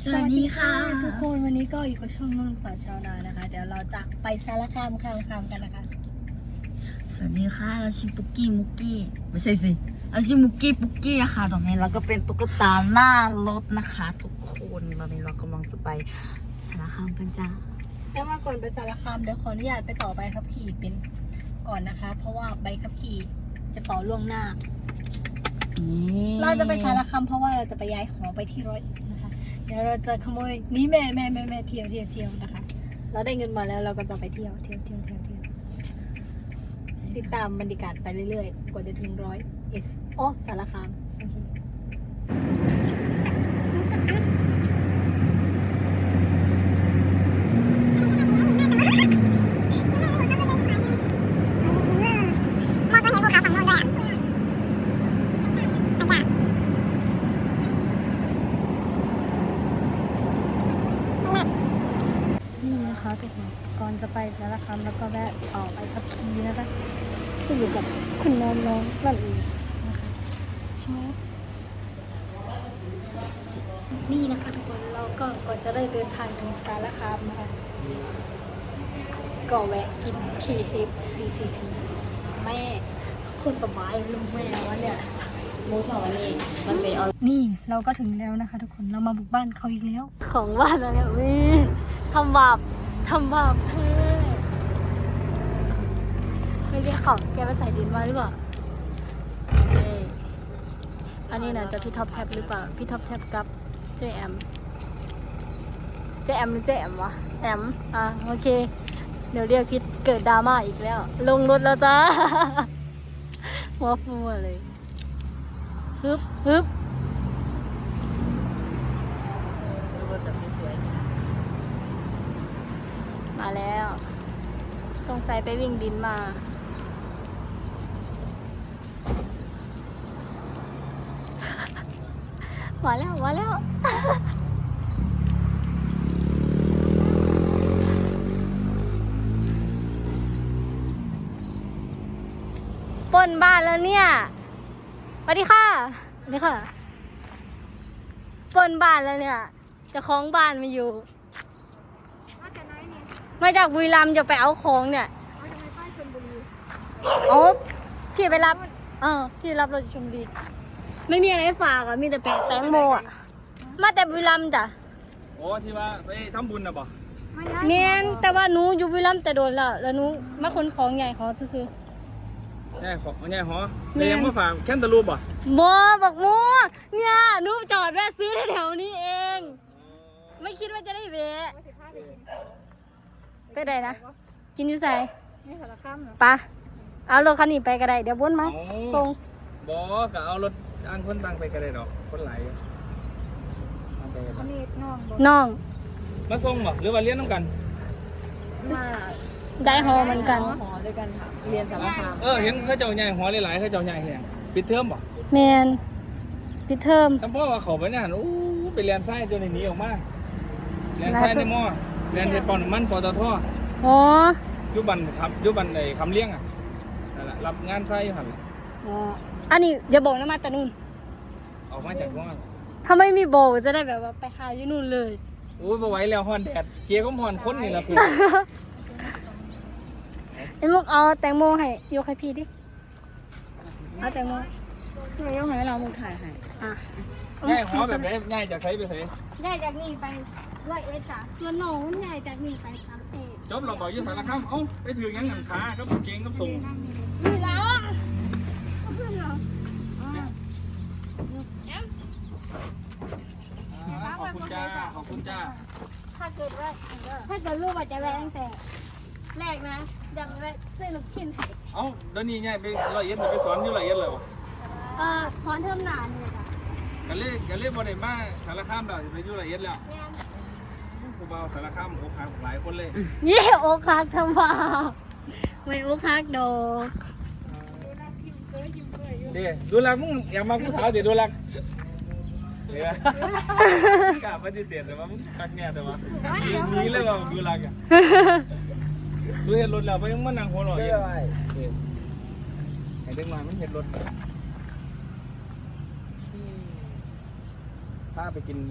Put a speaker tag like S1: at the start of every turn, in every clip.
S1: สวัสดีค่ะ
S2: ทุกคนวันนี้ก็อยู่กับช่องนุ่นสาวชาวนานะคะ เดี๋ยวเราจะไปสารคามกันนะคะ
S1: สวัสดีค่ะเราชื่อปุกกี้มุกกี้ไม่ใช่สิเราชื่อมุกกี้ปุกกี้นะคะตรงนี้เราก็เป็นตุ๊กตาหน้ารถนะคะ ทุกคนตอนนี้เรากำลังจะไปสารคามกันจ้า
S2: แล้วมาก่อนไปสารคามเดี๋ยวขออนุญาตไปต่อใบขับขี่เป็นก่อนนะคะ เพราะว่าใบขับขี่จะต่อล่วงหน้า เราจะไปสารคามเพราะว่าเราจะไปย้ายหอไปที่ร้อยเอ็ดนะคะ เดี๋ยวเราจะขโมยนี่แม่เที่ยวนะคะ เราได้เงินมาแล้วเราก็จะไปเที่ยวติดตามบรรยากาศไปเรื่อยๆกว่าจะถึงร้อยเอสโอ้สารคามโอเคนี่นะคะทุกคนก่อนจะไปสารคามแล้วก็แวะออกไปขับขี่นะคะที่อยู่กับคุณน้องนั่นเองนะคะชอบนี่นะคะทุกคนเราก็ก่อนจะได้เดินทางถึงสารคามนะคะก็แวะกิน KFC แม่คนสบายลุงแม่วะเนี่ย
S1: มูสองนี่มันเป็น
S2: นี่เราก็ถึงแล้วนะคะทุกคนเรามาบุกบ้านเขาอีกแล้ว ของบ้านเราเนี่ยทำบาปแท้ไม่เรียกเขาแกไปใส่ดินมาหรือเปล่าอันนี้นะจะพี่ท็อปแท็บหรือเปล่าพี่ท็อปแท็บกับเจแอมหรือเจแอมวะแอมโอเคเดี๋ยวเรียกพิษเกิดดราม่าอีกแล้วลงรถแล้วจ้า หัวฟูเลยฮึบ
S1: รถแบบสวยๆ
S2: มาแล้วสงสัยไปวิ่งดินมา มาแล้วปล้นบ้านแล้วเนี่ยสวัสดีค่ะปล้นบ้านแล้วเนี่ยเจ้าของบ้านมาอยู่มาจากบุรีรัมย์จะไปเอาของเนี่ยพี่ไปรับพี่รับรถชมดีไม่มีอะไรฝากมีแต่แตงโมมาแต่บุรีรัมย์จ้ะ
S3: โอ้ที่ว่าไปทำบุญนะบ่
S2: เนียนแต่ว่าหนูอยู่บุรีรัมย์แต่โดนแล้วหนูมาขนของใหญ่ของซื้อ
S3: แง่ของแง่หอแต่ยังมาฝากแคนตาลูปบ่
S2: บอกเนี่ยหนูจอดแวะซื้อแถวนี้เองไม่คิดว่าจะได้แวะไปไหนนะกินอยู่ใส่ปะเอารถคันนี้ไปก็ได้เดี๋ยววนมาตรง
S3: บ่ก็เอารถอันคนตังไปก็ได้ดอกคนไหล
S2: น้อง
S3: มาส่งบ่หรือว่าเรียนน้ำกัน
S2: ได้หอเหมือนกัน
S1: หอด้วยกันค่ะเรียนสารคาม
S3: เห็นเขาเจ้าใหญ่หอหลายๆเขาเจ้าใหญ่แหงปิดเทอมบ่
S2: แมนปิดเทอม
S3: จำพ่อว่าเขาไปเนี่ยไปเรียนไส้จนหนีออกมาเรียนไส้ในหม้อเรียนเทปอนมันปตทยุบันครับยุบันในคำเลี้ยงนั่นแหละรับงานไส้อยู่หัน
S2: อันนี้อย่าบอกนะมาแต่นู่น
S3: ออกมาจากว่า
S2: ถ้าไม่มีโบจะได้แบบว่าไปหาอยู่นู่นเลย
S3: โอ้ยมาไหวแล้วฮอนแดดเคี้ยวก็ฮอนค้นนี่แหละคือ
S2: ไอ้มุกเอาแตงโมให้ยกให้พี่ดิเอาแตงโม
S1: ยกให้เรามุกถ่ายให้
S3: ง่ายหอแบบไหนง่ายจากใช้ไปใช้
S2: ง่ายจากนี่ไปร้อยเอ็ดจ้ะส่วนน้องมันง่ายจากนี่ไป30จ
S3: บเราบอกยืดสารคามไปถือยังหนังขาก็เก่งก็ส่ง
S2: นี่แล้ว
S3: ขอบคุณจ้า
S2: ถ้าเกิดลูกอาจจะแวะตั้งแต่แรกนะอยากแวะซื้อลูกชิ้นให้
S3: เดี๋ยวนี้ง่ายไปร้อยเอ็ดไปสอนอยู่ร้อยเอ็ดเลย
S2: สอนเทอมหนาเนี่ยจ้ะ
S3: กันเล่บอลได้มาสารคามเราไปอยู่ร้อยเอ็ดแล้วกูเบาสารคามโอ้ขาหลายคนเลย
S2: ยี่โอคักทำบ่าไม่โอคักดอก
S3: เดี๋ยวดูรักมึงอยากมาผู้สาวเดี๋ยวดูรักกล้าปฏิเสธแต่ว่ามึงคักเนี่ยแต่ว่านี้เลยว่าดูรักดูเห็นรถแล้วไปยังมันนั่งหัวหล่ออยู่ไอ้เด็กมาไม่เห็นรถพาไปกิน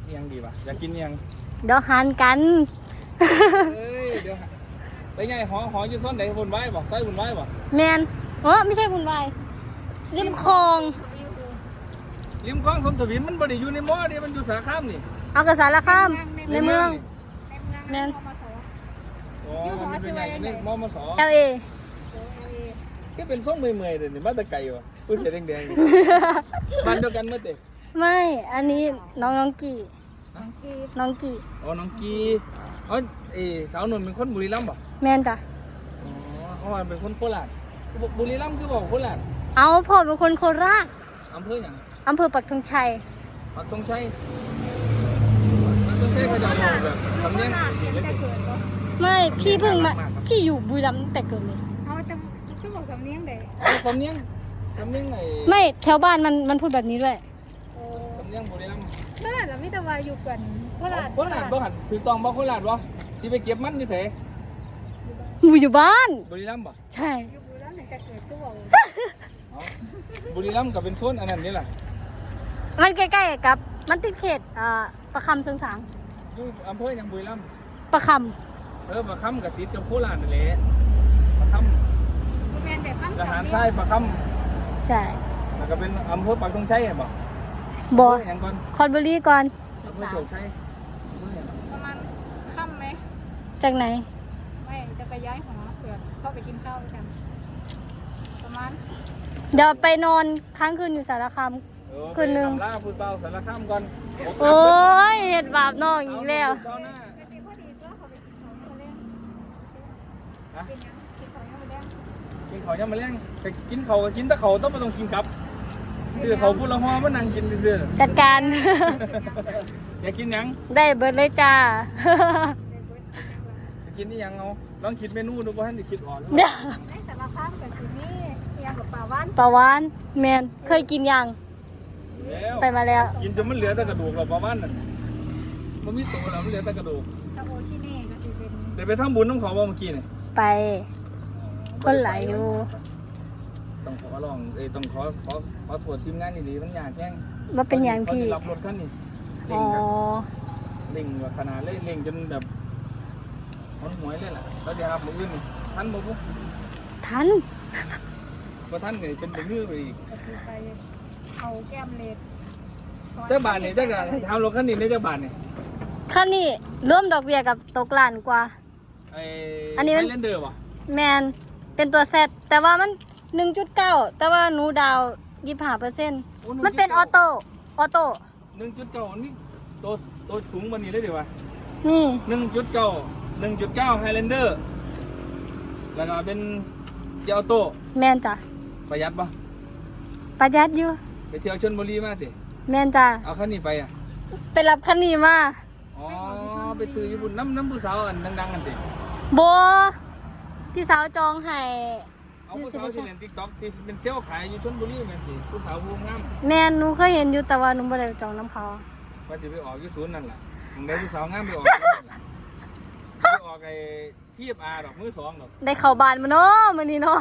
S3: ยังดีป่ะอยากกินยัง
S2: เดี๋ยวหานกัน
S3: เอ้ยเดี๋ยวไปไงหออยู่ซ่อนไหนบุญไว้บ่ใส่บุญไว้บ่
S2: แมนไม่ใช่คุณวายริมคลอง
S3: ริมคลองสมทวินมันบ่ได้อยู่ในหม้อนี่มันอยู่สาขามนี่
S2: เอากระสารข้ามในเมืองแมน
S3: อ๋อมันเป็นไงนี่มอมสอ
S2: LA
S3: ที่เป็นส้มเมื่อยๆเลยนี่มาแต่ไก่วะอุ้ยเสียแดงๆบ้านเดียวกันเมื่อเตะ
S2: ไม่อันนี้น้องกี่น้องกี่
S3: อ๋อน้องกีอ๋อสาวหนุ่มเป็นคนบุรีรัมย์ป่ะ
S2: แมนจ้ะ
S3: อ๋อเขาว่าเป็นคนโคราชบุรีรัมย์คือบอกโคราช
S2: เอาพ่อเป็นคนโคราช
S3: อำเภออย่าง
S2: อำเภอปักธงชัย
S3: ปักธงชัยปักธงชัยเขาจะเอาแบบสำเนียงเล็ก
S2: ไม่พี่เพิ่งมาพี่อยู่บุรีรัมย์ตั้งแต่เกิดเลย
S4: เอาจะบอกสำเนียงเด็ก
S3: ๆสำเนียงไหน
S2: ไม่แถวบ้านมันพูดแบบนี้ด้วย
S3: สำเนียงบุรีรัมย์
S4: บ้านเราไม่แต่ว่าอยู่กันโคราช
S3: โคราชบ่หันถือตองบ่โคราชบ่ที่ไปเก็บมันอยู่ไส
S2: อยู่บ้าน
S3: บุรีรัมย์บ่
S2: ใช่
S4: อยู่บุรีรัมย์แต่เกิดก็บอก
S3: อ๋อบุรีรัมย์ก็เป็นโซนอันนั้นนี่แหละ
S2: มันใกล้ๆกับมันติดเขตประคำเชิงสาง
S3: อยู่อำเภอหยังบุรีรัมย์
S2: ประค
S3: ประคำกับติดกับโคราชนั่นแหละประค
S4: แมนแบบบ้าน
S3: ำทหารทรายประค
S2: ำใช่
S3: ำแล้วก็เป็นอำเภอปักธงชัยบ่
S2: บอ
S3: อย่างก่อน
S2: คอนบุรีก่อน
S3: อำเภอโชคชัย
S4: ประมาณค่ำไหม
S2: จากไหน
S4: ไม่จะไปย้ายหอเผื่อเข้าไปกินข้าวด้วยกัน ประมาณ
S2: เดี๋ยวไปนอนค้างคืนอยู่สารคาม คืนหนึ่ง
S3: ไปทำลาพูดเบาสารคามก่อน
S2: โอ้ยเห็ดบาปน้องอีกแล้ว
S3: เช้าหน้า
S4: พอดีก็เขาไปกินข้าวมาเล่น
S3: ฮะ
S4: กินยังกินข้าวยังมาเล่น
S3: กินข้าวยังมาแล้งแต่กินข้าวก็กินแต่ข้าวต้องไม่ต้องกินกับคือเขาพูดละห้อมานั่งกินเรื่อย
S2: จัดการ
S3: ๆอยากกินหยัง
S2: ได้เบิร์ดเลยจ้า
S3: อยากกินนี่ยังเอาลองคิดเมนูดูว่าท่านจะคิดออกหรือเป
S2: เดี๋ย
S3: ล่าว
S4: ในสารพัดกับที่นี่ยังกับป่าวัน
S2: ปลาวานแมนเคยกินยัง
S3: แล้ว
S2: ไปมาแล้ว
S3: กินจนมันเหลือแต่กระดูกหรอกประมาณนั้นมันมีตัวแล้วมันเหลือแต่กระดูก
S4: ตะโอชิเน่ก็จะเป็น
S3: เดี๋ยวไปทำบุญน้ำเขาบ่เมื่อกี้นี่
S2: ไปคนหลายอยู่
S3: ต้องขอลองต้องขอตรวจทีมงานดีๆมันยากแย่ง
S2: ว่าเป็นอย่างพี่
S3: เขาจะรับรถคันนี้เร่
S2: อ๋
S3: ง
S2: อ
S3: แบบเร่งแบบขนาดเร่งจนแบบมันหวยเลยล่ะแล้วเดี๋ยวครับมืออื่นนี่ท่านบอกว่า
S2: ทัน
S3: ท่านเนี่ยเป็นมือไปอีก
S4: ก็คือไปเอาแก้มเลด
S3: เจ้าบาทเนี่ยเจ้าการทำรถคันนี้ได้เจ้าบาทเนี่ย
S2: คันนี้ร่วมดอกเบี้ยกับตกล้านกว่า อันนี้มัน
S3: ไฮแลนเดอร์ป่ะ
S2: แมนเป็นตัวเซตแต่ว่ามัน 1.9 แต่ว่าหนูดาว25%มันเป็นออโต้
S3: 1.9นี่ตัวสูงวันนี้เลยดีวะ
S2: นี่
S3: 1.9 Highlander แล้วก็เป็นเกียร์ออโต้
S2: แมนจ้ะ
S3: ประหยัดปะ
S2: ประหยัดอยู่
S3: ไปเที่ยวชลบุรีมาสิ
S2: แมนจ้ะ
S3: เอาคันนี้ไปอ่ะ
S2: ไปรับคันนี้มา
S3: อ๋อ ไปซื้อญี่ปุ่นน้ำผู้สาวอันดังๆกันสิ
S2: โบพี่สาวจองให้
S3: เอาผู้สาวที่เล่นติ๊กต็อกที่เป็นเซลล์ขายอยู่ชลบุรีแม่นสิผู้สาวผู้งาม
S2: แมนหนูเคยเห็นอยู่แต่ว่าหนูไม่ได้จองน้ำเขา
S3: ว่าจะไปออกอยู่ศูนย์นั่นแหละมึงได้ผู้สาวงามไปออกอยู่นั่นแหละไปออกไอ้ทีบอาดอกมือสองดอก
S2: ได้เข้าบ้านมาเนาะมื้อนี้เนาะ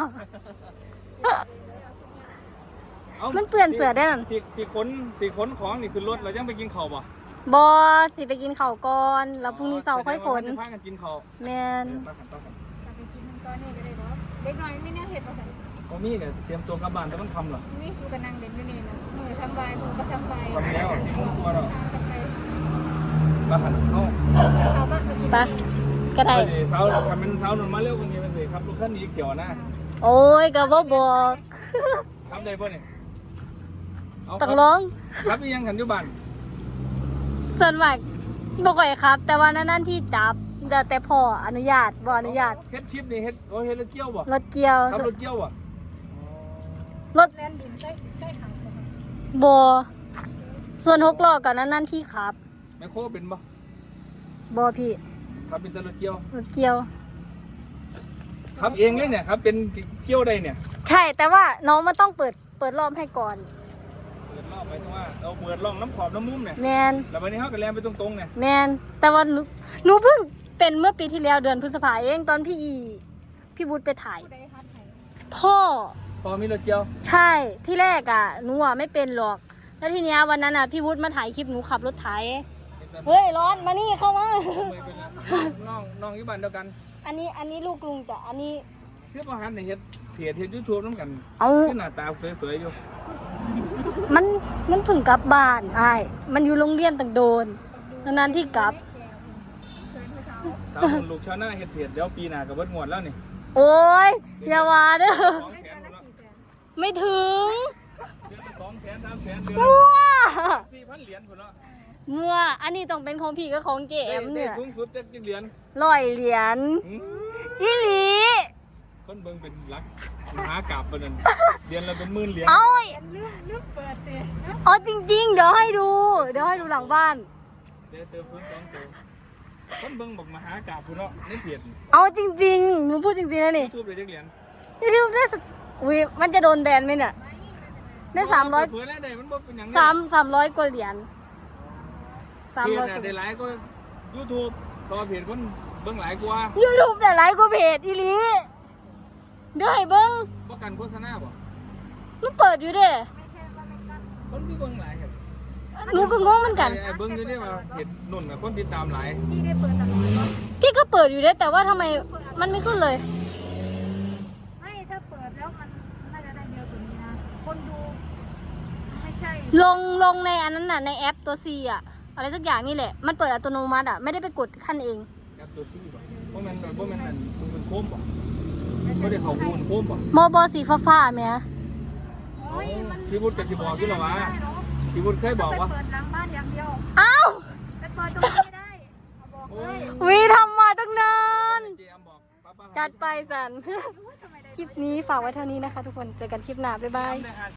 S3: อา
S2: มันเปื้อนเสือได้นั่น
S3: ที่ขนของนี่คือรถเรายังไปกินข้าวป่ะ
S2: บอสิไปกินข้าวก่อนแล้วพรุ่งนี้เสาร์ค่อยขน
S3: จะพากันกินข้าว
S2: แมน
S3: มาขันต่อกัน
S4: จะไปกินมันก้อนนี่ก็ได้เนาะเล็กน้อยไม่น่าเห็ดหรอก
S3: ก็มีเนี่ยเตรียมตัวกลับบ้านแต่มันคำเหรอ
S4: นี่สูกันนั่งเด่นอยู่นี่นะมือทำใบมือก็ทำใบ
S3: คำแล้วสิมุ้งตัวเรา
S4: ทำใบ
S3: มาขันเข้า
S4: เขาก็
S2: ปะก็ได้
S3: เดี๋ยวเสาทำเป็นเสาหนุนมาเร็วกว่านี้มันสิครับรถคันนี้เขียวนะ
S2: โอ้ยก็บ่บอก
S3: ครับได้ป่ะเนี่ยเา
S2: ต้องร้อง
S3: ครับอีหยังขันอยู่บ้าน
S2: ส่วนมากบ่ค่อยครับ แต่ว่านั่นที่จับแต่พ่ออนุญาตบ่อนุญาต
S3: เฮ็ดคลิปนี่เฮ็ดรถเกี่ยวบ่
S2: รถเกี่ยว
S3: ครับรถเกี่ยวบ่
S2: รถ
S4: แลนดินได้ถัง
S2: บ่ส่วน6ล้อก็นั่นที่ขับ
S3: แมคโครเป็นบ่
S2: บ่พี่
S3: ครับเป็นแต่รถเกี่ยว
S2: รถเกี่ยว
S3: ครับเองเลยเนี่ยครับเป็นเกี่ยวได้เนี่ย
S2: ใช่แต่ว่าน้องมันต้องเปิดรอบให้ก่อน
S3: เปิดรอบหมายถึงว่าเราเปิดร่องน้ำขอบน้ำมุมเนี่ย
S2: แมน
S3: แล้ววันนี้เขาก็แลนไปตรงๆเนี่ย
S2: แมนแต่ว่าหนูเพิ่งเป็นเมื่อปีที่แล้วเดือนพฤษภาเองตอนพี่บุญไปถ่าย
S4: ผู้ใดฮัทไห้
S2: พ่อ
S3: พอมีรถเกี่ยว
S2: ใช่ที่แรกอ่ะหนูอ่ะไม่เป็นหรอก แล้วทีเนี้ยวันนั้นอ่ะพี่วุฒิมาถ่ายคลิปหนูขับรถไถ
S3: เป็น
S2: เฮ้ยร้อนมานี่เข้ามา
S3: น้องอยู่บ้านเดียวกัน
S2: อันนี้ลูกลุงจ้ะอันนี้
S3: คือประหารในเฮ็ดเพจเฮ็ด YouTube นำกัน
S2: เอา
S3: คือหน้าตาสวยๆอยู่
S2: มันเพึ่งกลับบ้านอ้ายมันอยู่โรงเรียนตั้งโดนนานๆที่กลับ
S3: สาวคนลูกชาวนาเฮ็ดเพจเดี๋ยวปีหน้าก็เบิดงวดแล้วนี่
S2: โอ้ยอย่าว่าเด้อ
S3: 200,000แล้ว
S2: ไม่ถึง
S3: เดือนละ200,000 300,000เดือน
S2: มั่ว
S3: 4,000 เหรียญพุ่นเนาะ
S2: มั่วอันนี้ต้องเป็นของพี่กับของเจมเนี่ย
S3: สูงสุดจะกี่เหรียญ
S2: 100 เหรียญอีหลี
S3: คนเบิ่งเป็นหลักมหากาพย์ปานนั้นเดือนละเป็นหมื่นเหรียญ
S2: เอา
S4: ลืมเปิดเตะ
S2: เอาจริงๆเดี๋ยวให้ดูหลังบ้าน
S3: เดี๋ยวเติม0 2ตัวคนเบิ่งบอกมหากาพย์พุ่นเนาะในเพจ
S2: เอาจริงๆหนูพูดจริงๆนะนี่
S3: YouTube ได้จักเหรียญ
S2: YouTube ได้สักอุ้ยมันจะโดนแบนไหมเนี่ยได้300
S3: เผื่อได้มันบ่เป็นหยัง
S2: 300 กว่าเหรียญ
S3: เพจ
S2: 300
S3: น่ะได้หลายก็ YouTube ต่อเพจคนเบิ่งหลายกว่า
S2: YouTube แต่ไลค์กว่าเพจอีหลีเดี๋ยวให้เบิ้ง
S3: บ่กันโฆษณาบ่
S2: หนูเปิดอยู่เด้
S3: คนที่เบิ่งหลายครับ
S2: หนูก็งงเหมือนกัน
S3: ไอ้เบิ่งอยู่นี่ว่าเพจนุ่นน่ะคนติดตามหลาย
S4: ที่ได้เปิดตลอดวะ
S2: พี่ก็เปิดอยู่เด้แต่ว่าทำไมมันไม่ขึ้นเลย
S4: ไม่ถ้าเปิดแล้วมันน่าจะได้เยอะกว่านี้นะคนดูไม่ใช่
S2: ลงในอันนั้นน่ะในแอปตัว C อ่ะอะไรสักอย่างนี่แหละมันเปิดอัตโนมัติอ่ะไม่ได้ไปกดขั้นเอง
S3: แอปตัวซี่บ่บ่แม่นอันมึงเป็นโคมบ่บ่ได้เข้าหูนโคมบ่
S2: มอบอสีฟ้าๆแม่
S4: โอ้ยมัน
S3: พี่วุฒิกับที่บอกที่เราว่าพี่วุฒิเคยบอกว่า
S4: ไปเปิดหลังบ้านอย่างเดียว
S2: เอ้า
S4: ไปเปิดตรงนี้ไม่ได้เอาบอกเลย
S2: วีทำมาตั้งนาน
S3: เจมบอกป้า
S2: จัดไปสัน คลิปนี้ฝากไว้เท่านี้นะคะทุกคนเจอกันคลิปหน้าบ๊ายบาย
S3: ได้